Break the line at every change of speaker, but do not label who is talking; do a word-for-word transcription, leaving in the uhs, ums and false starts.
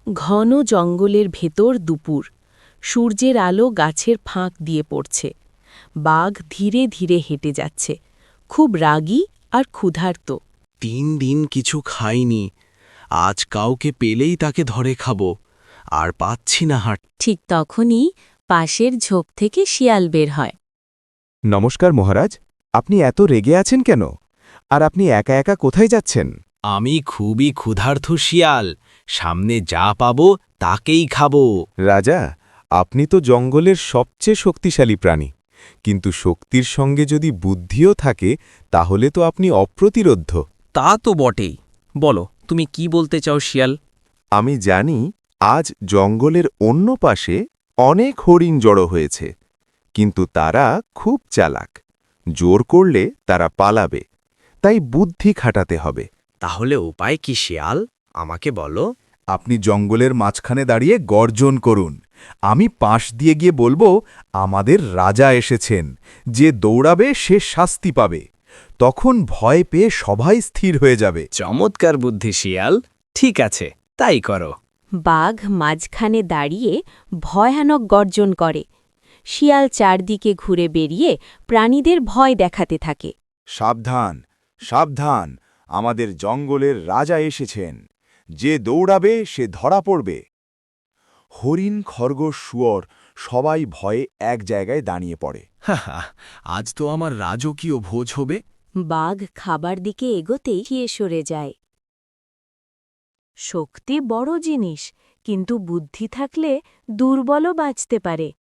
ঘন জঙ্গলের ভেতর দুপুর সূর্যের আলো গাছের ফাঁক দিয়ে পড়ছে। বাঘ ধীরে ধীরে হেঁটে যাচ্ছে, খুব রাগী আর ক্ষুধার্ত।
তিন দিন কিছু খাইনি, আজ কাউকে পেলেই তাকে ধরে খাবো, আর পাচ্ছি না হাট।
ঠিক তখনই পাশের ঝোপ থেকে শিয়াল বের হয়।
নমস্কার মহারাজ, আপনি এত রেগে আছেন কেন? আর আপনি একা একা কোথায় যাচ্ছেন?
আমি খুবই ক্ষুধার্ত শিয়াল, সামনে যা পাবো তাকেই খাবো।
রাজা, আপনি তো জঙ্গলের সবচেয়ে শক্তিশালী প্রাণী, কিন্তু শক্তির সঙ্গে যদি বুদ্ধিও থাকে তাহলে তো আপনি অপ্রতিরোধ্য।
তা তো বটেই। বলো, তুমি কি বলতে চাও শিয়াল?
আমি জানি আজ জঙ্গলের অন্য পাশে অনেক হরিণ জড়ো হয়েছে, কিন্তু তারা খুব চালাক। জোর করলে তারা পালাবে, তাই বুদ্ধি খাটাতে হবে।
তাহলে উপায় কি শিয়াল, আমাকে বলো।
আপনি জঙ্গলের মাঝখানে দাঁড়িয়ে গর্জন করুন। আমি পাশ দিয়ে গিয়ে বলবো, আমাদের রাজা এসেছেন, যে দৌড়াবে সে শাস্তি পাবে। তখন ভয় পেয়ে সবাই স্থির হয়ে যাবে।
চমৎকার বুদ্ধি শিয়াল, ঠিক আছে, তাই করো।
বাঘ মাঝখানে দাঁড়িয়ে ভয়ানক গর্জন করে। শিয়াল চারদিকে ঘুরে বেরিয়ে প্রাণীদের ভয় দেখাতে থাকে।
সাবধান, সাবধান, আমাদের জঙ্গলের রাজা এসেছেন, যে দৌড়াবে সে ধরা পড়বে। হরিণ, খরগোশ, শুয়োর সবাই ভয়ে এক জায়গায় দাঁড়িয়ে পড়ে।
আজ তো আমার রাজকীয় ভোজ হবে।
বাঘ খাবার দিকে এগোতেই গিয়ে সরে যায়। শক্তি বড় জিনিস, কিন্তু বুদ্ধি থাকলে দুর্বলও বাঁচতে পারে।